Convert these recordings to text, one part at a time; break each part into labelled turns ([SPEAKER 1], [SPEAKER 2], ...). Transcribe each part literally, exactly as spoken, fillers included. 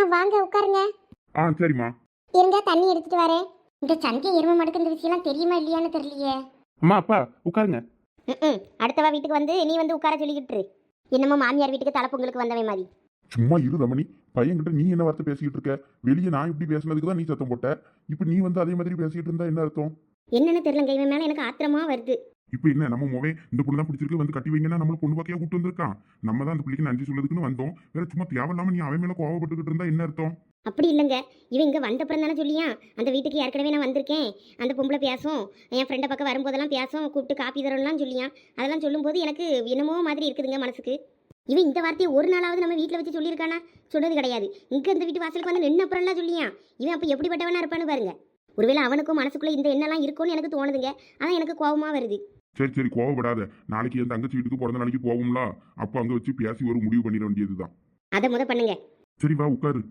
[SPEAKER 1] வாங்க உட்காருங்க.
[SPEAKER 2] ஆ சரிம்மா.
[SPEAKER 1] இருங்க தண்ணி எடுத்துட்டு வரேன். இந்த சந்திய எருமை மடுக்கு இந்த விஷயம்லாம் தெரியுமா இல்லையான்னு தெரியலையே.
[SPEAKER 2] அம்மா அப்பா உட்காருங்க.
[SPEAKER 1] ம் அடுத்தவா வீட்டுக்கு வந்து நீ வந்து உட்கார சொல்லிக்கிட்டு இரு. என்னமோ மாமியார் வீட்டுக்கு தலைப்பொங்கலுக்கு வந்தவே மாதிரி.
[SPEAKER 2] சும்மா இரு ரமணி. பையன்கிட்ட நீ என்ன வார்த்தை பேசிக்கிட்டு இருக்க? வெளியே நான் இப்படி பேசுனதுக்கு தான் நீ சத்தம் போட்ட. இப்போ நீ வந்து அதே மாதிரி பேசிக்கிட்டு இருந்தா என்ன அர்த்தம்?
[SPEAKER 1] என்னன்னு தெரியலங்க, இவன் மேல எனக்கு ஆத்திரமா வருது.
[SPEAKER 2] இப்போ என்ன நம்ம மோவே இந்த பொண்ணு தான் பிடிச்சிருக்கு வந்து கட்டி வைங்கன்னா நம்மள பொண்ணு பாக்கையா கூட்டு வந்திருக்கான். நம்ம தான் அந்த பிள்ளைக்கு நன்றி சொல்லதுக்குன்னு வந்தோம். வேற சும்மா தேவையில்லாம நீ அவன் மேல கோவப்பட்டுக்கிட்டு இருந்தா என்ன அர்த்தம்?
[SPEAKER 1] அப்படி இல்லைங்க, இவன் இங்கே வந்தப்புறம் தானே சொல்லியா அந்த வீட்டுக்கு ஏற்கனவே நான் வந்திருக்கேன், அந்த பொம்பளை பேசும், என் ஃப்ரெண்டை பக்கம் வரும்போதெல்லாம் பேசும், கூப்பிட்டு காப்பி தரலாம் சொல்லியான். அதெல்லாம் சொல்லும்போது எனக்கு என்னமோ மாதிரி இருக்குதுங்க மனசுக்கு. இவன் இந்த வார்த்தையை ஒரு நாளாவது நம்ம வீட்டில் வச்சு சொல்லியிருக்கானா? சொன்னது கிடையாது. இங்கே இந்த வீட்டு வாசலுக்கு வந்து நின்ன அப்புறம்லாம் சொல்லியான். இவன் அப்போ எப்படிப்பட்டவனா இருப்பான்னு பாருங்க. ஒருவேளை அவனுக்கும் மனசுக்குள்ளே இந்த எண்ணெல்லாம் இருக்கும்னு எனக்கு தோணுதுங்க. அதான் எனக்கு கோபமாக வருது.
[SPEAKER 2] சரி சரி கோவப்படாத. நாளைக்கு என் தங்கச்சி வீட்டுக்கு பிறந்த நாளைக்கு போகும்ல, அப்போ அங்கே வச்சு பேசி ஒரு முடிவு பண்ணிட வேண்டியதுதான்.
[SPEAKER 1] அதை முத பண்ணுங்க.
[SPEAKER 2] சரி வா உட்காரு.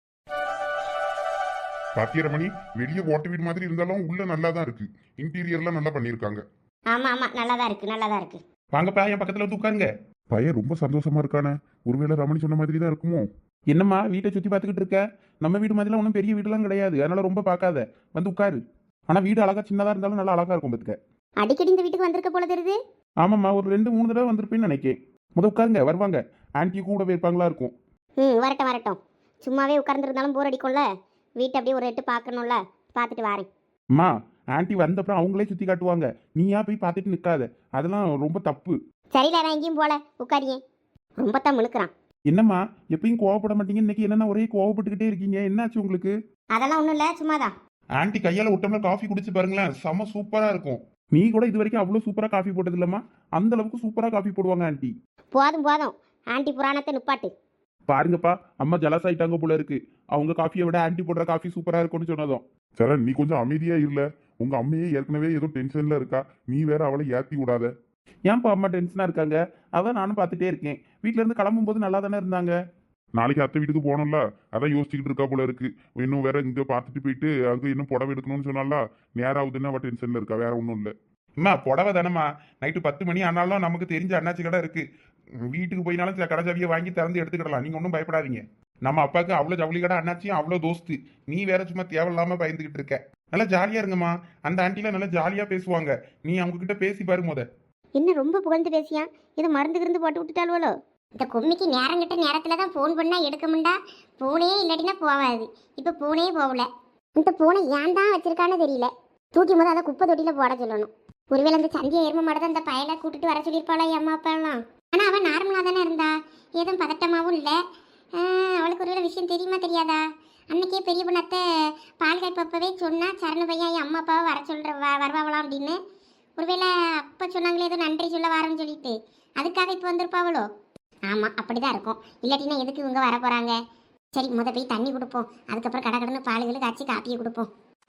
[SPEAKER 2] பாத்தியா ரமணி, வெளியே ஓட்ட வீடு மாதிரி இருந்தாலும் உள்ள நல்லா தான் இருக்கு. இன்டீரியர்லாம் நல்லா பண்ணியிருக்காங்க.
[SPEAKER 1] ஆமா ஆமா நல்லா தான் இருக்கு, நல்லா தான் இருக்கு.
[SPEAKER 2] வாங்கப்பா என் பக்கத்துல வந்து உட்காருங்க. பையன் ரொம்ப சந்தோஷமா இருக்கானே. ஒருவேளை ரமணி சொன்ன மாதிரி தான் இருக்குமோ? என்னம்மா வீட்டை சுத்தி பார்த்துக்கிட்டு இருக்க? நம்ம வீடு மாதிரிலாம் ஒன்றும் பெரிய வீடுலாம் கிடையாது, அதனால ரொம்ப பார்க்காத, வந்து உட்காரு. ஆனா வீடு அழகா சின்னதா இருந்தாலும் நல்லா அழகா இருக்கும் பத்துக்க.
[SPEAKER 1] அடிக்கடி இந்த வீட்டுக்கு வந்திருக்க போல தெரியுது.
[SPEAKER 2] ஆமாம்மா, ஒரு ரெண்டு மூணு தடவை வந்திருப்பேன்னு நினைக்கேன். முத உட்காருங்க, வருவாங்க. ஆன்டி கூட போயிருப்பாங்களா இருக்கும்.
[SPEAKER 1] ம் வரட்டும் வரட்டும். சும்மாவே உட்கார்ந்துருந்தாலும் போர் அடிக்கும்ல, வீட்டை அப்படியே ஒரு எட்டு பார்க்கணும்ல, பார்த்துட்டு வரேன்.
[SPEAKER 2] அம்மா ஆன்டி வந்தப்பறம் அவங்களே சுத்தி காட்டுவாங்க, நீயா போய் பார்த்துட்டு நிற்காத, அதெல்லாம் ரொம்ப தப்பு.
[SPEAKER 1] சரியில்ல, நான் எங்கேயும் போல, உட்காரியே. ரொம்ப தான் முழுக்கிறான்.
[SPEAKER 2] என்னம்மா எப்பயும் கோவப்பட மாட்டீங்க, இன்னைக்கு என்னன்னா ஒரே கோவப்பட்டுக்கிட்டே இருக்கீங்க, என்னாச்சு உங்களுக்கு?
[SPEAKER 1] அதெல்லாம் ஒன்றும் இல்லை, சும்மாதான்.
[SPEAKER 2] ஆன்டி கையால ஒட்டம்ல காஃபி குடிச்சு பாருங்களேன், செம சூப்பரா இருக்கும். நீ கூட இது வரைக்கும் அவ்வளோ சூப்பரா காஃபி போட்டது இல்லம்மா, அந்த அளவுக்கு சூப்பரா காஃபி போடுவாங்க ஆன்டி.
[SPEAKER 1] போதும் போதும், ஆன்டி புராணத்தை நிப்பாட்டு.
[SPEAKER 2] பாருங்கப்பா, அம்மா ஜலஸ் ஆயிட்டாங்க போல இருக்கு. அவங்க காஃபியை விட ஆன்டி போடுற காஃபி சூப்பரா இருக்கும்னு சொன்னதும். சரண் நீ கொஞ்சம் அமைதியா இல்ல, உங்க அம்மையே ஏற்கனவே ஏதோ டென்ஷன்ல இருக்கா, நீ வேற அவளை ஏத்தி விடாத. ஏன்ப்பா அம்மா டென்ஷனா இருக்காங்க? அதான் நானும் பார்த்துட்டே இருக்கேன். வீட்டுல இருந்து கிளம்பும் போது நல்லா தானே இருந்தாங்க. நாளைக்கு அத்தை வீட்டுக்கு போனோம்ல, அதான் யோசிச்சுக்கிட்டு இருக்கா போல இருக்கு. இன்னும் வேற இங்க பார்த்துட்டு போயிட்டு அங்க இன்னும் புடவை எடுக்கணும்னு சொன்னால நேராகுதுன்னு அவ டென்ஷன்ல இருக்கா, வேற ஒன்றும் இல்லை. அம்மா புடவை தானம்மா, நைட்டு பத்து மணி ஆனாலும் நமக்கு தெரிஞ்ச அண்ணாச்சி கடை இருக்கு, வீட்டுக்கு போயினாலும் சில கடை ஜாவியை வாங்கி திறந்து எடுத்துக்கிடலாம், நீங்க ஒன்றும் பயப்படாதீங்க. நம்ம அப்பாவுக்கு அவ்வளோ ஜவுளி கடை அண்ணாச்சியும் அவ்வளோ தோஸ்து, நீ வேற சும்மா தேவையில்லாம பயந்துகிட்டு இருக்க. நல்லா ஜாலியா இருங்கம்மா, அந்த ஆண்டிலாம் நல்லா ஜாலியா பேசுவாங்க, நீ அவங்க கிட்ட பேசி பாரு முத.
[SPEAKER 1] என்ன ரொம்ப புகழ்ந்து பேசியா? இது மருந்து கிருந்து போட்டு விட்டுட்டாலுவலோ? இந்த கும்மிக்கு நேரம் கிட்ட நேரத்துல தான் ஃபோன் பண்ணா எடுக்க முண்டா, பூனே இல்லாட்டினா போவாது. இப்போ பூனே போகல. இந்த பூனை ஏன் தான் வச்சிருக்கான்னு தெரியல. தூக்கி போது அதை குப்பை தொட்டியில போட சொல்லணும். ஒருவேளை அந்த சந்திய எருமை மாட அந்த பயலை கூட்டிட்டு வர சொல்லியிருப்பாளோ அம்மா அப்பாலாம். ஆனா அவன் நார்மலா தானே இருந்தா, ஏதும் பதட்டமாவும் இல்லை. அவளுக்கு ஒருவேளை விஷயம் தெரியுமா தெரியாதா? அன்னைக்கே பெரிய பொண்ணத்தை பால் காய்ப்பப்பவே சொன்னா சரண பையன் என் அம்மா அப்பாவை வர சொல்ற வருவாவலாம் அப்படின்னு. ஒருவேளை அப்போ சொன்னாங்களே ஏதோ நன்றி சொல்ல வாரன்னு சொல்லிட்டு, அதுக்காக இப்போ வந்திருப்பாவளோ? ஆமாம் அப்படிதான் இருக்கும். இல்லாட்டினா எதுக்கு இவங்க வர போகிறாங்க? சரி முத போய் தண்ணி கொடுப்போம், அதுக்கப்புறம் கடை கடன்னு பாலுகளுக்கு காய்ச்சி காப்பியை கொடுப்போம்.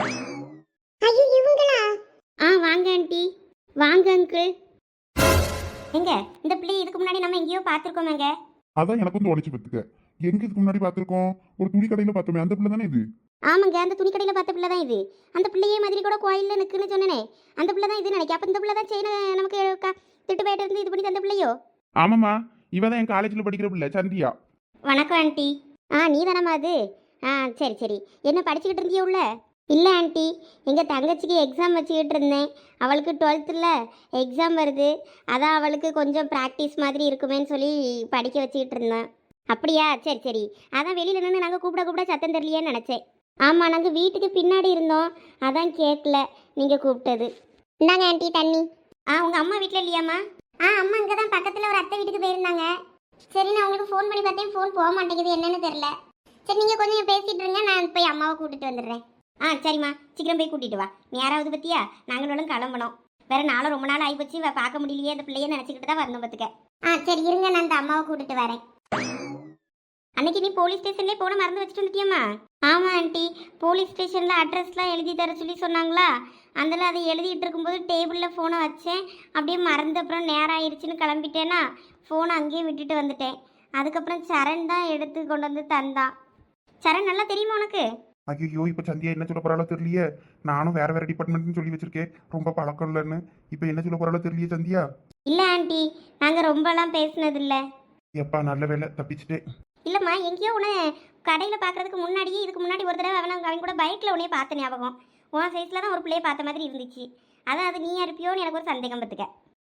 [SPEAKER 1] ஐயோ இவங்களா? ஆ வாங்க ஆண்டி, வாங்க அங்கிள். எங்க இந்த பிள்ளை இதுக்கு முன்னாடி நம்ம எங்கேயோ பார்த்துருக்கோமேங்க.
[SPEAKER 2] அதான் எனக்கு வந்து உடச்சு பத்துக்க, எங்க இதுக்கு முன்னாடி பார்த்துருக்கோம்? ஒரு துணி கடையில பார்த்தோமே, அந்த பிள்ளை தானே இது?
[SPEAKER 1] ஆமாங்க, அந்த துணி கடையில் பார்த்த பிள்ளை தான் இது. அந்த பிள்ளையே மாதிரி கூட கோயிலில் நிற்குன்னு சொன்னனே, அந்த பிள்ளை தான் இது நினைக்க. அப்போ இந்த பிள்ளை தான் செயினை நமக்கு திட்டு போயிட்டு இருந்து இது பண்ணி தந்த பிள்ளையோ?
[SPEAKER 2] ஆமாம்மா, இவ தான் என் காலேஜில் படிக்கிற பிள்ளை சந்தியா.
[SPEAKER 1] வணக்கம் ஆண்டி. ஆ நீ தானம்மா அது? ஆ சரி சரி. என்ன படிச்சுக்கிட்டு இருந்தியோ உள்ள? இல்லை ஆண்டி, எங்கள் தங்கச்சிக்கு எக்ஸாம் வச்சுக்கிட்டு இருந்தேன். அவளுக்கு டுவெல்த்தில் எக்ஸாம் வருது, அதான் அவளுக்கு கொஞ்சம் ப்ராக்டிஸ் மாதிரி இருக்குமேன்னு சொல்லி படிக்க வச்சுக்கிட்டு இருந்தேன். அப்படியா? சரி சரி. அதான் வெளியில் நின்று நாங்கள் கூப்பிட கூப்பிட சத்தம் தெரியலையேன்னு நினச்சேன். ஆமாம், நாங்கள் வீட்டுக்கு பின்னாடி இருந்தோம், அதான் கேட்கல நீங்கள் கூப்பிட்டது. இந்தாங்க ஆண்டி தண்ணி. ஆ உங்கள் அம்மா வீட்டில் இல்லையாம்மா? ஆ அம்மா இங்கே தான் பக்கத்தில் ஒரு அத்தை வீட்டுக்கு போயிருந்தாங்க. சரி நான் உங்களுக்கு ஃபோன் பண்ணி பார்த்தேன், ஃபோன் போக மாட்டேங்குது, என்னன்னு தெரில. சரி நீங்கள் கொஞ்சம் பேசிகிட்டு இருங்க, நான் போய் அம்மாவை கூட்டிகிட்டு வந்துடுறேன். ஆ சரிம்மா, சீக்கிரம் போய் கூட்டிகிட்டு வா. நீ யாராவது பற்றியா நாங்களும் கிளம்பணும். வேறு நாளும் ரொம்ப நாள் ஆகி போச்சு, பார்க்க முடியலையே அந்த பிள்ளைய நினச்சிக்கிட்டு தான் வரணும் பார்த்துக்க. ஆ சரி இருங்க, நான் அந்த அம்மாவை கூட்டிகிட்டு வரேன். அன்னைக்கு நீ போலீஸ் ஸ்டேஷன்லேயே போன மறந்து வச்சுட்டு வந்துட்டியம்மா? ஆமாம் ஆண்டி, போலீஸ் ஸ்டேஷனில் அட்ரஸ்லாம் எழுதி தர சொல்லி சொன்னாங்களா, அதில் அதை எழுதிட்டு இருக்கும்போது டேபிளில் ஃபோனை வச்சேன், அப்படியே மறந்து அப்புறம் நேரம் ஆயிடுச்சுன்னு கிளம்பிட்டேன்னா ஃபோனை அங்கேயே விட்டுட்டு வந்துட்டேன். அதுக்கப்புறம் சரண் தான் எடுத்து கொண்டு வந்து தந்தான். சரண் நல்லா தெரியுமா உனக்கு?
[SPEAKER 2] ஐயோ இப்போ சந்தியா என்ன சொல்ல போறாளோ தெரியலையே, நானும் வேற வேற டிபார்ட்மெண்ட்னு சொல்லி வச்சிருக்கேன், ரொம்ப பழக்கம் இல்லைன்னு. இப்போ என்ன சொல்ல போறாளோ தெரியலையே சந்தியா.
[SPEAKER 1] இல்லை ஆண்டி, நாங்கள் ரொம்பலாம் பேசினதில்லை.
[SPEAKER 2] எப்பா நல்ல வேலை தப்பிச்சுட்டே.
[SPEAKER 1] இல்லைம்மா, எங்கேயோ உன்னை கடையில் பார்க்கறதுக்கு முன்னாடியே இதுக்கு முன்னாடி ஒரு தடவை அவனை அவன் கூட பைக்கில் உடனே பார்த்த ஞாபகம். உன் சைஸில் தான் ஒரு பிள்ளையை பார்த்த மாதிரி இருந்துச்சு. அதான் அது நீயா இருப்பியோன்னு எனக்கு ஒரு சந்தேகம் பத்துக்க.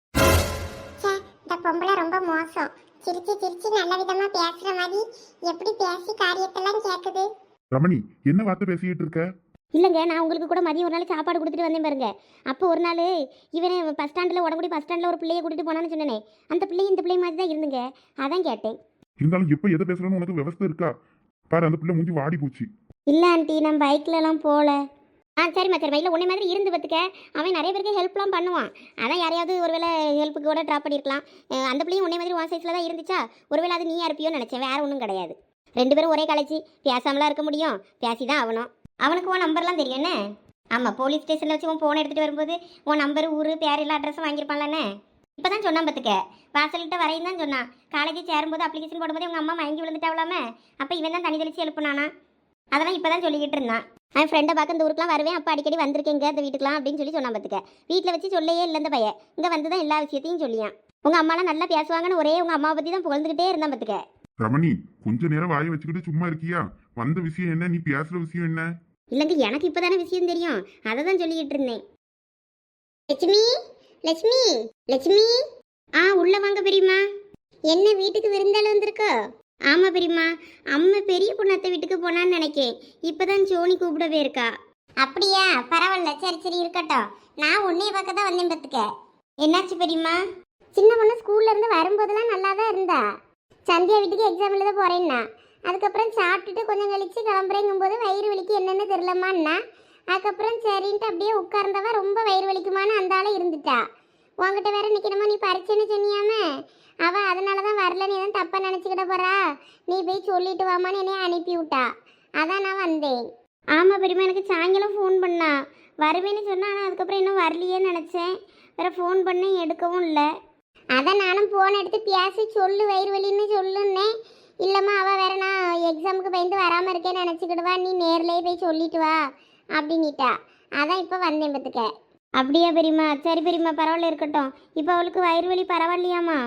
[SPEAKER 3] ச்சே, இந்த பொம்பளை ரொம்ப மோசம். சிரிச்சு சிரிச்சு நல்ல விதமா பேசுற மாதிரி எப்படி பேசி காரியத்தெல்லாம் கேக்குது.
[SPEAKER 2] ரமணி, என்ன வார்த்தை பேசிக்கிட்டு இருக்க?
[SPEAKER 1] இல்லைங்க, நான் உங்களுக்கு கூட மதியம் ஒரு நாள் சாப்பாடு கொடுத்துட்டு வந்தேன் பாருங்க. அப்போ ஒரு நாள் இவனை பஸ் ஸ்டாண்டில் உடம்புடி பஸ் ஸ்டாண்டில் ஒரு பிள்ளையை கூட்டிட்டு போனான்னு சொன்னேனே, அந்த பிள்ளை இந்த பிள்ளை மாதிரி தான் இருந்துங்க. அதான் கேட்டேன்.
[SPEAKER 2] இருந்தாலும் எப்ப எதை பேசுறேன்னு உனக்கு விவசாயம் இருக்கா? பாரு, அந்த பிள்ளை மூஞ்சி வாடி போச்சு.
[SPEAKER 1] இல்லை ஆண்டி, நான் பைக்லலாம் போகல. ஆ சரிம்மா சரிம்மா. இல்லை உன்னை மாதிரி இருந்து பார்த்துக்க. அவன் நிறைய பேருக்கு ஹெல்ப்லாம் பண்ணுவான். அதான் யாரையாவது ஒருவேளை ஹெல்ப்புக்கு கூட ட்ராப் பண்ணியிருக்கலாம். அஹ் அந்த பிள்ளையும் உன்னை மாதிரி ஒன் சைஸில் தான் இருந்துச்சா, ஒருவேளை அது நீயா இருப்பியோன்னு நினச்சேன். வேறு ஒன்றும் கிடையாது. ரெண்டு பேரும் ஒரே காலேஜ், பேசாமலாம் இருக்க முடியும். பேசி தான் ஆகணும். அவனுக்கு உன் நம்பர்லாம் தெரியும் என்ன? ஆமாம், போலீஸ் ஸ்டேஷனில் வச்சு உன் ஃபோனை எடுத்துகிட்டு வரும்போது உன் நம்பர், ஊர், பேர் எல்லா அட்ரஸும் வாங்கியிருப்பான்லண்ணே. இப்போ தான் சொன்னான் பார்த்துக்க. வாசல்கிட்ட வரையும் தான் சொன்னான். காலேஜ் சேரும்போது அப்ளிகேஷன் போடும்போது உங்கள் அம்மா மயங்கி விழுந்துட்டாவலாமே. அப்போ இவன் தான் தனி தெளிச்சு எழுப்புனானா. அதெல்லாம் இப்போ தான் சொல்லிக்கிட்டு இருந்தான். அவன் ஃப்ரெண்டை பார்க்க இந்த ஊருக்குலாம் வருவேன், அப்போ அடிக்கடி வந்திருக்கேங்க அந்த வீட்டுக்குலாம் அப்படின்னு சொல்லி சொன்னான் பார்த்துக்க. வீட்டில் வச்சு சொல்லையே இல்லை இந்த பையன். இங்கே வந்து தான் எல்லா விஷயத்தையும் சொல்லியான். உங்கள் அம்மாலாம் நல்லா பேசுவாங்கன்னு ஒரே உங்கள் அம்மாவை பற்றி தான் புகழ்ந்துக்கிட்டே இருந்தான் பார்த்துக்க.
[SPEAKER 2] ரமணி, கொஞ்ச நேரம் வாயை வச்சுக்கிட்டு சும்மா இருக்கியா? வந்த விஷயம் என்ன? நீ பேசுற விஷயம் என்ன?
[SPEAKER 1] இல்லைங்க, எனக்கு இப்போ தானே விஷயம் தெரியும். அதை தான் சொல்லிக்கிட்டு இருந்தேன்.
[SPEAKER 3] லட்சுமி, லட்சுமி, லட்சுமி,
[SPEAKER 1] ஆ உள்ளே வாங்க பெரியம்மா.
[SPEAKER 3] என்ன வீட்டுக்கு விருந்தாள் வந்திருக்கோ?
[SPEAKER 1] ஆமாம் பெரியம்மா, அம்மா பெரிய பொண்ணத்தை வீட்டுக்கு போனான்னு நினைக்கேன். இப்போ தான் சோனி கூப்பிடவே இருக்கா.
[SPEAKER 3] அப்படியா? பரவாயில்ல, சரி சரி இருக்கட்டும். நான் உன்னைய பார்க்க தான் வந்தேன் பார்த்துக்க.
[SPEAKER 1] என்னாச்சு பெரியம்மா?
[SPEAKER 3] சின்ன பொண்ணு ஸ்கூல்ல இருந்து வரும்போதெல்லாம் நல்லா தான் இருந்தா. சந்தியா வீட்டுக்கு எக்ஸாம் எழுத போறேன்னா, அதுக்கப்புறம் சாப்பிட்டுட்டு கொஞ்சம் கழிச்சு கிளம்புறேங்கும் போது வயிறு வலிக்கு என்னென்னு தெரியலமான்னா, அதுக்கப்புறம் சரின்ட்டு அப்படியே உட்கார்ந்தவ ரொம்ப வயிறு வலிக்குமான்னு அந்த ஆளை இருந்துட்டா. உங்ககிட்ட வேற நிற்கணுமா, நீ பரிச்சைன்னு சொன்னியாமே. அவள் அதனால தான் வரலன்னு எதுவும் தப்பாக நினச்சிக்கிட போறா. நீ போய் சொல்லிட்டு வாமான்னு என்னைய அனுப்பி விட்டா. அதான் நான் வந்தேன்.
[SPEAKER 1] ஆமாம் பெரியம்மா, எனக்கு சாயங்காலம் ஃபோன் பண்ணா. வருவேன்னு சொன்னா. ஆனால் அதுக்கப்புறம் இன்னும் வரலையேன்னு நினச்சேன். வேறு ஃபோன் பண்ணேன், எடுக்கவும் இல்லை.
[SPEAKER 3] அதான் நானும் ஃபோன் எடுத்து பேசி சொல்லு வயிறு வலின்னு சொல்லுன்னேன். இல்லைம்மா, அவள் வேற நான் எக்ஸாமுக்கு பயந்து வராமல் இருக்கேன்னு நினச்சிக்கிடுவா, நீ நேர்லேயே போய் சொல்லிட்டு வா அப்படின்னிட்டா. அதான் இப்போ வந்தேன் பார்த்துக்க.
[SPEAKER 1] அப்படியா பெரியம்மா? சரி பெரியம்மா, பரவாயில்ல இருக்கட்டும். இப்போ அவளுக்கு வயிறு வலி பரவாயில்லையாம்மா?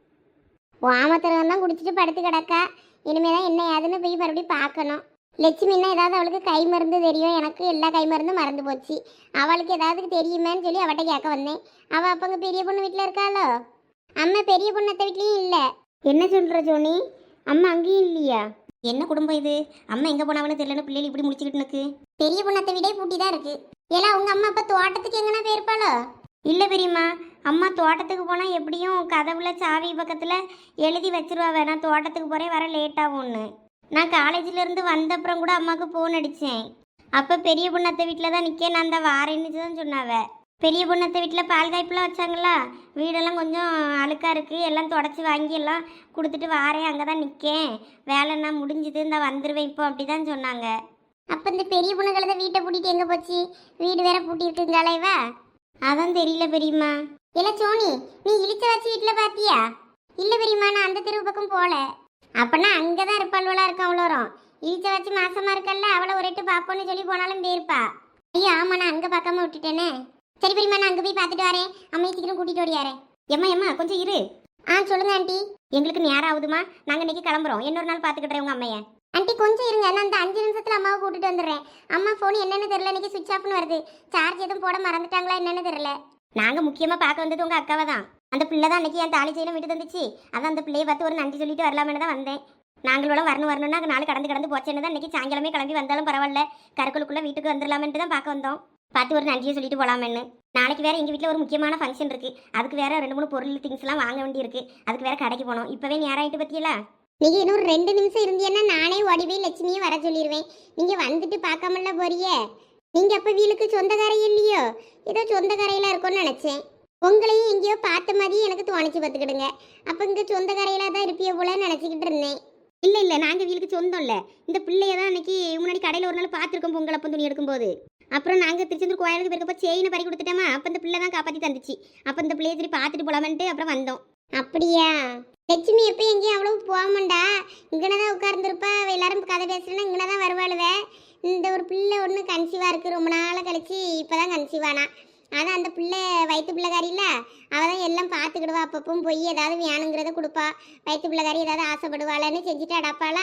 [SPEAKER 3] வாமத்திரம் தான் குடிச்சிட்டு படுத்து கிடக்கா. இனிமே தான் என்ன ஏதுன்னு போய் மறுபடியும் பார்க்கணும். லட்சுமின்னா ஏதாவது அவளுக்கு கை மருந்து தெரியும். எனக்கு எல்லா கை மருந்தும் மறந்து போச்சு. அவளுக்கு ஏதாவது தெரியுமேன்னு சொல்லி அவட்ட கேட்க வந்தேன். அவள் அப்போ அங்கே பெரிய பொண்ணு வீட்டில் இருக்காளோ? அம்மா பெரிய பொண்ணு அத்தை வீட்லேயும் இல்லை.
[SPEAKER 1] என்ன சொல்கிற ஜோனி? அம்மா அங்கேயும் இல்லையா? என்ன குடும்பம் இது? அம்மா எங்கே போனாவன்னு தெரியலன்னு பிள்ளைகள் இப்படி முடிச்சுக்கிட்டு நிற்கு.
[SPEAKER 3] பெரிய பொண்ணு அத்தை வீடே பூட்டி தான் இருக்கு. ஏன்னா உங்கள் அம்மா அப்போ தோட்டத்துக்கு எங்கன்னா போயிருப்பாளோ?
[SPEAKER 1] இல்லை பெரியம்மா, அம்மா தோட்டத்துக்கு போனால் எப்படியும் கதவுல சாவி பக்கத்தில் எழுதி வச்சிருவா. வேணாம் தோட்டத்துக்கு போகிறேன், வர லேட்டாகும்னு. நான் காலேஜிலேருந்து வந்த அப்புறம் கூட அம்மாவுக்கு ஃபோன் அடித்தேன். அப்போ பெரிய பொண்ணத்தை வீட்டில் தான் நிற்க, நான் அந்த வாரேன்னு தான் சொன்னாவ. பெரிய பொண்ணத்தை வீட்டில் பால் காய்ப்புலாம் வச்சாங்களா, வீடெல்லாம் கொஞ்சம் அழுக்காக இருக்குது, எல்லாம் தொடச்சி வாங்கி எல்லாம் கொடுத்துட்டு வாரேன், அங்கே தான் நிற்கேன், வேலைன்னா முடிஞ்சுது, இந்த வந்துடுவேன் இப்போ அப்படி தான் சொன்னாங்க.
[SPEAKER 3] அப்போ இந்த பெரிய பொண்ணுகளை தான் வீட்டை பூட்டிட்டு எங்கே போச்சு? வீடு வேற பூட்டி இருக்குங்களா இவ?
[SPEAKER 1] அதான் தெரியல பெரியம்மா.
[SPEAKER 3] இல்லை சோனி, நீ இழிச்ச வச்சு வீட்டில் பார்த்தியா? இல்லை பெரியம்மா, நான் அந்த தெருவு பக்கம் போகல. அப்போனா அங்கே தான் இருப்பாள்வளாக இருக்கும் அவ்வளோரும். இழிச்ச வச்சு மாசமாக இருக்கல்ல, அவளை ஒரு எட்டு பார்ப்போன்னு சொல்லி போனாலும் போயிருப்பா. ஐயோ ஆமா, நான் அங்கே பார்க்காம விட்டுட்டேனே. சரி பெரியம்மா, நான் அங்கே போய் பார்த்துட்டு வரேன். அம்மையை சீக்கிரம் கூட்டிகிட்டு ஓடியாரேன்.
[SPEAKER 1] எம்மா எம்மா கொஞ்சம் இரு.
[SPEAKER 3] ஆ சொல்லுங்க ஆண்டி.
[SPEAKER 1] எங்களுக்கு நேரம் ஆகுதுமா, நாங்கள் இன்னைக்கு கிளம்புறோம். இன்னொரு நாள் பார்த்துக்கிட்டேன் உங்கள் அம்மையை.
[SPEAKER 3] ஆண்டி கொஞ்சம் இருங்க, நான் அந்த அஞ்சு நிமிஷத்தில் அம்மாவை கூட்டிட்டு வந்துடுறேன். அம்மா ஃபோன் என்னன்னு தெரியல, இன்னைக்கு சுவிட்ச் ஆஃப்னு வருது. சார்ஜ் எதுவும் போட மறந்துட்டாங்களா என்னன்னு தெரியல.
[SPEAKER 1] நாங்கள் முக்கியமாக பார்க்க வந்தது உங்கள் அக்காவை தான். அந்த பிள்ளை தான் அன்றைக்கி என் தாலி செய்யலாம் விட்டு தந்துச்சு. அதான் அந்த பிள்ளையை பார்த்து ஒரு நன்றி சொல்லிட்டு வரலாமேனு தான் வந்தேன். நாங்களோட வரணும் வரணும்னா நாலு கடந்து கடந்து போச்சேன்னு தான் இன்றைக்கி சாயங்காலமே கிளம்பி வந்தாலும் பரவாயில்ல, கருக்குள்ளுக்குள்ளே வீட்டுக்கு வந்துடலாமேன்ட்டு தான் பார்க்க வந்தோம். பார்த்து ஒரு நன்றியை சொல்லிட்டு போகலாமேன்னு. நாளைக்கு வேறு எங்கள் வீட்டில் ஒரு முக்கியமான ஃபங்க்ஷன் இருக்குது. அதுக்கு வேறு ரெண்டு மூணு பொருள் திங்ஸ்லாம் வாங்க வேண்டி இருக்குது. அதுக்கு வேறு கடைக்கு போனோம். இப்போவே நேரம் ஆகிட்டு பற்றியல.
[SPEAKER 3] நீங்கள் இன்னொரு ரெண்டு நிமிஷம் இருந்தீங்கன்னா நானே ஓடி போய் லட்சுமியை வர சொல்லிடுவேன். நீங்கள் வந்துட்டு பார்க்காமல போறியே. நீங்கள் அப்போ வீலுக்கு சொந்தக்காரை இல்லையோ? ஏதோ சொந்தக்காரையில் இருக்கும்னு நினச்சேன். உங்களையும் எங்கேயோ பார்த்த மாதிரி எனக்கு தோணிச்சு பார்த்துக்கிடுங்க. அப்போ இங்கே சொந்தக்காரையில் தான் இருப்பியோ போலன்னு நினச்சிக்கிட்டு இருந்தேன்.
[SPEAKER 1] இல்லை இல்லை, நாங்கள் வீலுக்கு சொந்தம் இல்லை. இந்த பிள்ளைய தான் அன்றைக்கி முன்னாடி கடையில் ஒரு நாள் பார்த்துருக்கோம் பொங்கல் அப்போ துணி எடுக்கும்போது. அப்புறம் நாங்கள் திருச்செந்தூர் கோயிலுக்கு போயிருக்கப்போ செயினை பறி கொடுத்துட்டோமா. அப்போ இந்த பிள்ளை தான் காப்பாற்றி தந்துச்சு. அப்போ இந்த பிள்ளையை சரி பார்த்துட்டு போகலாமன்ட்டு அப்புறம் வந்தோம்.
[SPEAKER 3] அப்படியா? லட்சுமி எப்போ எங்கேயும் அவ்வளவு போகமாண்டா. இங்கன தான் உட்கார்ந்துருப்பா. எல்லாரும் கதை பேசுறேன்னா இங்கன தான் வருவாளுவே. இந்த ஒரு பிள்ளை ஒன்று கன்சீவாக இருக்குது. ரொம்ப நாள் கழிச்சு இப்போ தான் கன்சீவானா. அதான் அந்த பிள்ளை வயிற்று பிள்ளைக்காரில்ல, அவள் தான் எல்லாம் பார்த்துக்கிடுவா. அப்பப்பவும் போய் ஏதாவது வேணுங்கிறத கொடுப்பா. வயிற்று பிள்ளைக்காரி ஏதாவது ஆசைப்படுவாளன்னு செஞ்சுட்டு அடப்பாளா.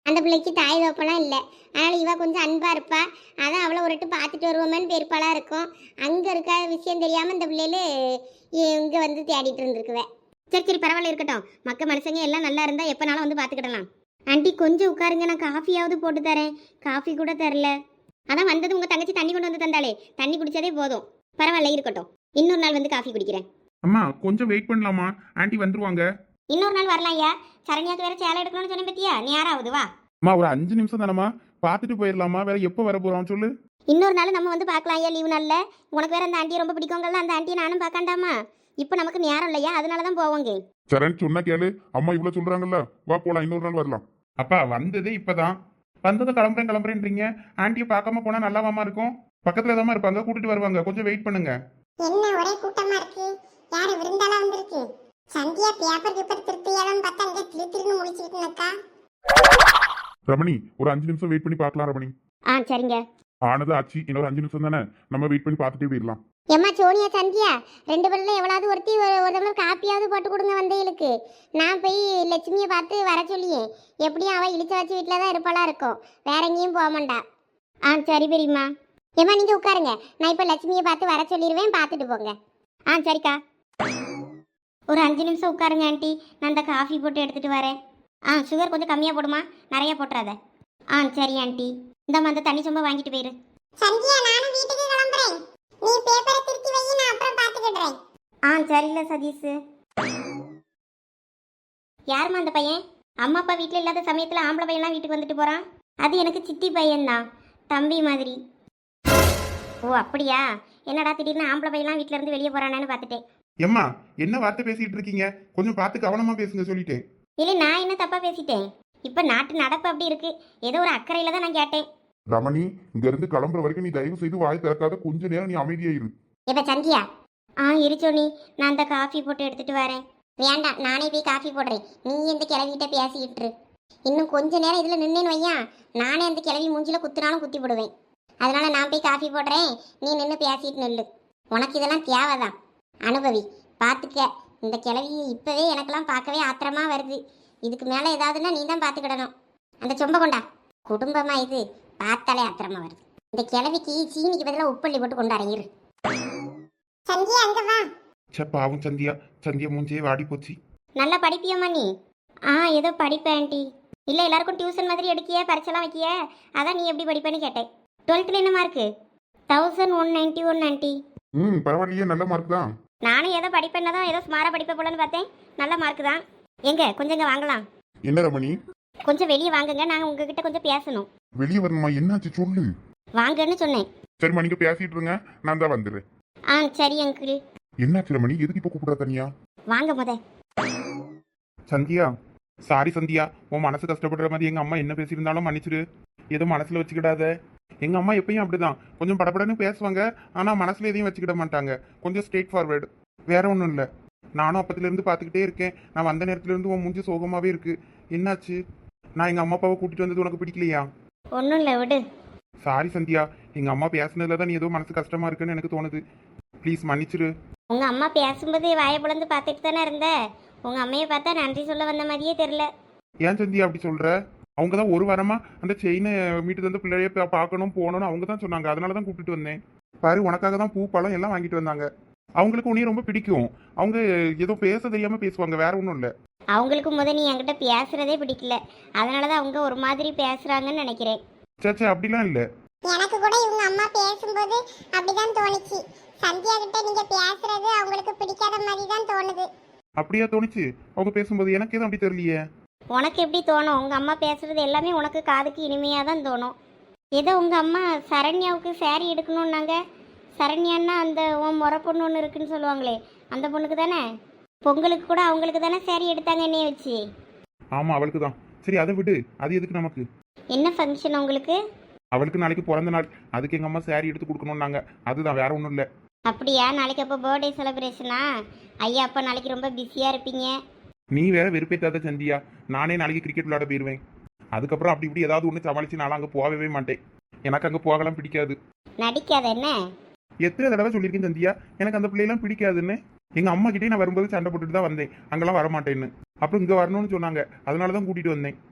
[SPEAKER 3] அந்த பிள்ளைக்கு தாய் தோப்பெல்லாம் இல்லை. அதனால இவ கொஞ்சம் அன்பா இருப்பா. அதான் அவளை ஒருட்டு பார்த்துட்டு வருவோமேன்னு பெருப்பாளா இருக்கும். அங்க இருக்க விஷயம் தெரியாம இந்த பிள்ளைகளு இங்க வந்து தேடிட்டு இருந்திருக்குவே.
[SPEAKER 1] சரி சரி பரவாயில்ல இருக்கட்டும். மக்க மனுஷங்க எல்லாம் நல்லா இருந்தா எப்பனாலும் வந்து பார்த்துக்கிடலாம். ஆண்டி கொஞ்சம் உட்காருங்க, நான் காஃபியாவது போட்டு தரேன். காஃபி கூட தரல. அதான் வந்தது உங்க தங்கச்சி தண்ணி கொண்டு வந்து தந்தாலே, தண்ணி குடிச்சதே போதும். பரவாயில்ல இருக்கட்டும், இன்னொரு நாள் வந்து காஃபி குடிக்கிறேன்.
[SPEAKER 2] அம்மா கொஞ்சம் வெயிட் பண்ணலாமா? ஆண்டி வந்துருவாங்க.
[SPEAKER 1] இன்னொரு நாள் வரலாம் ஐயா. சரண்யாக்கு வேற சேலை எடுக்கணும்னு சொன்ன பத்தியா, நேரம் ஆகுது வா.
[SPEAKER 2] அம்மா ஒரு அஞ்சு நிமிஷம் தானம்மா, பார்த்துட்டு போயிடலாமா? வேற எப்போ வர போறோம் சொல்லு.
[SPEAKER 1] இன்னொரு நாள் நம்ம வந்து பார்க்கலாம் ஐயா, லீவு நாள்ல. உனக்கு வேற அந்த ஆண்டியை ரொம்ப பிடிக்குங்கல்ல, அந்த ஆண்டியை நானும் பார்க்காண்டாமா. இப்போ நமக்கு நேரம் இல்லையா, அதனால தான் போவோங்க.
[SPEAKER 2] சரண் சொன்னா கேளு, அம்மா இவ்வளவு சொல்றாங்கல்ல, வா போலாம், இன்னொரு நாள் வரலாம். அப்பா வந்ததே இப்பதான், வந்ததும் கிளம்புறேன் கிளம்புறேன்றீங்க. ஆண்டியை பார்க்காம போனா நல்லாவாமா இருக்கும்? பக்கத்துல தான் இருப்பாங்க, கூட்டிட்டு வருவாங்க, கொஞ்சம் வெயிட் பண்ணுங்க.
[SPEAKER 3] என்ன ஒரே கூட்டமா இருக்கு? யாரு விருந்தாளா வந்திருக்கு? சந்தியா பேப்பர் பேப்பர் திருத்தியாலும் பார்த்தா அங்கே திரு திருன்னு முடிச்சுக்கிட்டு இருக்கா.
[SPEAKER 2] ரமணி ஒரு அஞ்சு நிமிஷம் வெயிட் பண்ணி பார்க்கலாம். ரமணி
[SPEAKER 1] ஆ சரிங்க.
[SPEAKER 2] ஆனது ஆச்சு, இன்னொரு அஞ்சு நிமிஷம் தானே, நம்ம வெயிட் பண்ணி பார்த்துட்டே போயிடலாம்.
[SPEAKER 3] ஏம்மா சோனியா சந்தியா, ரெண்டு பேர்ல எவ்வளவு ஒருத்தி ஒரு ஒரு தடவை காப்பியாவது போட்டு கொடுங்க வந்தைகளுக்கு. நான் போய் லட்சுமியை பார்த்து வர சொல்லியேன். எப்படியும் அவள் இழிச்ச வச்சு வீட்டில் தான் இருப்பாளா இருக்கும், வேற எங்கேயும் போக மாட்டா.
[SPEAKER 1] ஆ சரி பெரியம்மா.
[SPEAKER 3] ஏம்மா நீங்கள் உட்காருங்க, நான் இப்போ லட்சுமியை பார்த்து வர சொல்லிடுவேன், பார்த்துட்டு போங்க.
[SPEAKER 1] ஆ சரிக்கா. ஒரு அஞ்சு நிமிஷம் உட்காருங்க ஆண்டி, நான் இந்த காஃபி போட்டு எடுத்துட்டு வரேன். ஆ சுகர் கொஞ்சம் கம்மியாக போடுமா, நிறையா போட்டுறாத. ஆ சரி ஆண்டி, இந்த அந்த தண்ணி சொம்ப வாங்கிட்டு போயிரு.
[SPEAKER 3] சந்தியா நானும் வீட்டுக்கு கிளம்புறேன், நீ பேப்பரை திருத்தி வை, நான் அப்புறம் பார்த்துக்கிடுறேன்.
[SPEAKER 1] ஆ சரியில்ல சதீஷ். யாரும்மா அந்த பையன்? அம்மா அப்பா வீட்டில் இல்லாத சமயத்தில் ஆம்பளை பையன்லாம் வீட்டுக்கு வந்துட்டு போகிறான். அது எனக்கு சித்தி பையன்தான், தம்பி மாதிரி. ஓ அப்படியா? என்னடா திடீர்னு ஆம்பளை பையன்லாம் வீட்டில இருந்து வெளியே போகிறானேன்னு பார்த்துட்டேன்.
[SPEAKER 2] எம்மா என்ன வார்த்தை பேசிட்டு இருக்கீங்க? கொஞ்சம் பார்த்து கவனமா பேசுங்க சொல்லிட்டேன்.
[SPEAKER 1] இல்லை நான் என்ன தப்பாக பேசிட்டேன்? இப்போ நாட்டு நடப்பு அப்படி இருக்கு, ஏதோ ஒரு அக்கறையில் தான் நான் கேட்டேன்.
[SPEAKER 2] ரமணி இங்க இருந்து கிளம்புற வரைக்கும் நீ தயவு செய்து வாய் திறக்காத, கொஞ்ச நேரம் நீ அமைதியா இரு.
[SPEAKER 3] இப்போ சந்தியா.
[SPEAKER 1] ஆ இருச்சோனி, நான் அந்த காஃபி போட்டு எடுத்துட்டு வரேன்.
[SPEAKER 3] வேண்டாம், நானே போய் காஃபி போடுறேன், நீ எந்த கிளவிகிட்ட பேசிக்கிட்டு இரு. இன்னும் கொஞ்ச நேரம் இதில் நின்னேன்னு வையா, நானே அந்த கிளவி மூஞ்சில குத்துனாலும் குத்தி போடுவேன். அதனால நான் போய் காஃபி போடுறேன், நீ நின்று பேசிட்டு நில்லு. உனக்கு இதெல்லாம் தேவைதான், அனுபவி, பார்த்துக்க. இந்த கிளவி இப்போவே எனக்கெல்லாம் பார்க்கவே ஆத்திரமா வருது. இதுக்கு மேலே ஏதாவதுன்னா நீ தான் பார்த்துக்கிடணும். அந்த சொம்ப கொண்டா, குடும்பமா இது, பார்த்தாலே ஆத்திரமா வருது. இந்த கிளவிக்கு சீனிக்கு பதிலாக உப்பள்ளி போட்டு கொண்டாடுறேன் இரு. சந்தியா அங்க வா.
[SPEAKER 2] சே பாவம் சந்தியா, சந்தியா மூஞ்சியே வாடி போச்சு.
[SPEAKER 1] நல்லா படிப்பியம்மா நீ? ஆ ஏதோ படிப்பேன் ஆண்டி. இல்லை எல்லாருக்கும் டியூஷன் மாதிரி எடுக்கிய, பரிச்செல்லாம் வைக்கிய, அதான் நீ எப்படி படிப்பேன்னு கேட்டேன். டுவெல்த்தில் என்ன மார்க்கு? Thousand one ninety one aunty.
[SPEAKER 2] ம் பரவாயில்லையே, நல்ல மார்க் தான்.
[SPEAKER 1] நானும் ஏதோ படிப்பேன்னா தான், ஏதோ ஸ்மாராக படிப்பேன் போலன்னு பார்த்தேன். நல்ல மார்க்கு தான். எங்க கொஞ்சம் இங்கே வாங்கலாம்.
[SPEAKER 2] என்ன ரமணி?
[SPEAKER 1] கொஞ்சம் வெளியே வாங்குங்க, நாங்கள் உங்ககிட்ட கொஞ்சம் பேசணும்.
[SPEAKER 2] வெளியே வரணுமா? என்னாச்சு சொல்லு.
[SPEAKER 1] வாங்கன்னு சொன்னேன்.
[SPEAKER 2] சரிம்மா நீங்க பேசிட்டு இருங்க, நான் தான் வந்துடுறேன்.
[SPEAKER 1] ஆ சரி அங்கிள்.
[SPEAKER 2] என்னாச்சு ரமணி, எதுக்கு இப்போ கூப்பிடுற தனியா?
[SPEAKER 1] வாங்க முத.
[SPEAKER 2] சந்தியா சாரி சந்தியா, உன் மனசு கஷ்டப்படுற மாதிரி எங்க அம்மா என்ன பேசியிருந்தாலும் மன்னிச்சிரு. ஏதோ மனசுல வச்சுக்கிடாத. எங்க அம்மா எப்பயும் அப்படிதான், கொஞ்சம் படபடன்னு பேசுவாங்க, ஆனா மனசுல எதையும் வச்சுக்கிட மாட்டாங்க. கொஞ்சம் ஸ்ட்ரெயிட் ஃபார்வேர்டு, வேற ஒன்றும் இல்லை. நானும் அப்பத்துல இருந்து பார்த்துக்கிட்டே இருக்கேன். நான் வந்த நேரத்துல இருந்து உன் மூஞ்சி சோகமாவே இருக்கு. என்னாச்சு? நான் எங்க அம்மா அப்பாவை கூட்டிட்டு வந்தது உனக்கு பிடிக்கலையா?
[SPEAKER 1] ஒன்றும் இல்லை விடு.
[SPEAKER 2] சாரி சந்தியா, எங்க அம்மா பேசுனதுல தான் நீ ஏதோ மனசு கஷ்டமா இருக்குன்னு எனக்கு தோணுது. ப்ளீஸ் மன்னிச்சிரு.
[SPEAKER 1] உங்கள் அம்மா பேசும்போது வாயை பிளந்து பார்த்துட்டு தானே இருந்த. உங்கள் அம்மையை பார்த்தா நன்றி சொல்ல வந்த மாதிரியே தெரில.
[SPEAKER 2] ஏன் சந்தியா அப்படி சொல்ற? அவங்க தான் ஒரு வாரமா அந்த செயினை மீட்டு வந்து பிள்ளைய பா- பார்க்கணும் போகணும்னு அவங்க தான் சொன்னாங்க. அதனால தான் கூப்பிட்டு வந்தேன். பாரு உனக்காக தான் பூ பழம் எல்லாம் வாங்கிட்டு வந்தாங்க. அவங்களுக்கு உன்னைய ரொம்ப பிடிக்கும். அவங்க ஏதோ பேச தெரியாம பேசுவாங்க, வேற ஒன்றும் இல்லை.
[SPEAKER 1] அவங்களுக்கு முத நீ என்கிட்ட பேசுறதே பிடிக்கல, அதனால தான் அவங்க ஒரு மாதிரி பேசுறாங்கன்னு நினைக்கிறேன்.
[SPEAKER 2] சேச்சே அப்படிலாம் இல்லை.
[SPEAKER 3] எனக்கு கூட இவங்க அம்மா பேசும்போது அப்படிதான் தோணுச்சு. சந்தியா கிட்ட நீங்க பேசுறது அவங்களுக்கு பிடிக்காத மாதிரி தான் தோணுது.
[SPEAKER 2] அப்படியா தோணுச்சு? அவங்க பேசும்போது எனக்கு எதுவும் அப்படி தெரியலையே.
[SPEAKER 1] உனக்கு எப்படி தோணும்? உங்கள் அம்மா பேசுறது எல்லாமே உனக்கு காதுக்கு இனிமையாக தான் தோணும். ஏதோ உங்கள் அம்மா சரண்யாவுக்கு saree எடுக்கணுன்னாங்க. சரண்யான்னா அந்த உன் முறை பொண்ணு ஒன்று இருக்குன்னு சொல்லுவாங்களே, அந்த பொண்ணுக்கு தானே? பொங்கலுக்கு கூட அவங்களுக்கு தானே saree எடுத்தாங்க என்னைய வச்சு.
[SPEAKER 2] ஆமா அவளுக்கு தான். சரி அதை விடு, அது எதுக்கு நமக்கு?
[SPEAKER 1] என்ன ஃபங்க்ஷன் உங்களுக்கு?
[SPEAKER 2] அவளுக்கு நாளைக்கு பிறந்த நாள், அதுக்கு எங்க அம்மா saree எடுத்து கொடுக்கணும்னாங்க. அதுதான், வேற ஒன்றும் இல்லை.
[SPEAKER 1] அப்படியா? நாளைக்கு அப்போ பர்த்டே செலிப்ரேஷனா? ஐயா அப்போ நாளைக்கு ரொம்ப பிஸியாக இருப்பீங்க.
[SPEAKER 2] நீ வேற வெறுப்பேத்தாத சந்தியா. நானே நாளைக்கு கிரிக்கெட் விளையாட போயிடுவேன். அதுக்கப்புறம் அப்படி இப்படி ஏதாவது ஒன்று சமாளிச்சு நானும் அங்கே போகவே மாட்டேன். எனக்கு அங்கே போகலாம் பிடிக்காது.
[SPEAKER 1] நடிக்காத என்ன?
[SPEAKER 2] எத்தனை தடவை சொல்லியிருக்கேன் சந்தியா, எனக்கு அந்த பிள்ளையெல்லாம் பிடிக்காதுன்னு. எங்கள் அம்மா கிட்டே நான் வரும்போது சண்டை போட்டுட்டு தான் வந்தேன், அங்கெல்லாம் வரமாட்டேன்னு. அப்புறம் இங்கே வரணும்னு சொன்னாங்க, அதனால தான் கூட்டிகிட்டு வந்தேன்.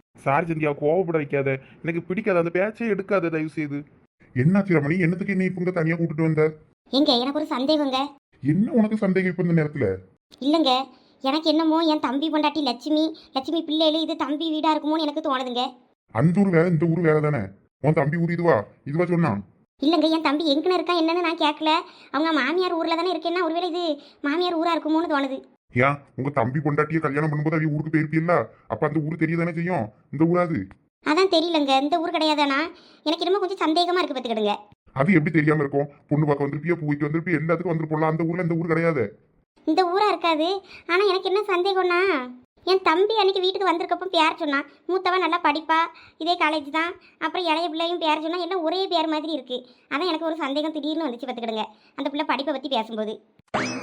[SPEAKER 2] சாரி சந்தியா, கோவப்பட வைக்காத. எனக்கு பிடிக்காத அந்த பேச்சே எடுக்காத தயவு செய்து. என்னாச்சு ரமணி? என்னத்துக்கு நீ இப்ப தனியா கூட்டிட்டு வந்த?
[SPEAKER 1] எங்க எனக்கு ஒரு சந்தேகங்க.
[SPEAKER 2] என்ன உனக்கு சந்தேகம் இப்ப இந்த நேரத்துல?
[SPEAKER 1] இல்லைங்க, எனக்கு என்னமோ என் தம்பி பொண்டாட்டி லட்சுமி லட்சுமி பிள்ளைகளு இது தம்பி வீடா இருக்குமோன்னு எனக்கு தோணுதுங்க.
[SPEAKER 2] அந்த ஊர் வேற இந்த ஊர் வேற தானே. உன் தம்பி ஊர் இதுவா இதுவா சொன்னான்?
[SPEAKER 1] இல்லைங்க, என் தம்பி எங்கன்னு இருக்கான் என்னன்னு நான் கேட்கல. அவங்க மாமியார் ஊர்ல தானே இருக்கேன்னா ஒருவேளை இது மாமியார் ஊரா இருக்குமோன்னு தோணுது.
[SPEAKER 2] ஏன் உங்க தம்பி பொண்டாட்டிய கல்யாணம் பண்ணும்போது அவங்க ஊருக்கு போயிருப்பில்ல, அப்ப அந்த ஊர் தெரியதானே செய்யும். இந்த ஊராது
[SPEAKER 1] அதான் தெரியலங்க, இந்த ஊர் கிடையாதானா? எனக்கு என்னமோ கொஞ்சம் சந்தேகமா இருக்கு பார்த்துக்கிடுங்க.
[SPEAKER 2] அது எப்படி தெரியாம இருக்கும்? பொண்ணு பார்க்க வந்திருப்பியா, பூவைக்கு வந்திருப்பியா, எல்லாத்துக்கும் வந்துருப்போம்ல. அந்த ஊர்ல இந்த ஊர் கிடையாது.
[SPEAKER 1] இந்த ஊரா இருக்காது. ஆனா எனக்கு என்ன சந்தேகம்னா, என் தம்பி அன்னைக்கு வீட்டுக்கு வந்திருக்கப்போ பேர் சொன்னான். மூத்தவன் நல்லா படிப்பா, இதே காலேஜ் தான். அப்புறம் இளைய பிள்ளையும் பேர் சொன்னா, எல்லாம் ஒரே பேர் மாதிரி இருக்கு. அதான் எனக்கு ஒரு சந்தேகம் திடீர்னு வந்துச்சு பார்த்துக்கிடுங்க அந்த பிள்ளை படிப்பை பற்றி பேசும்போது.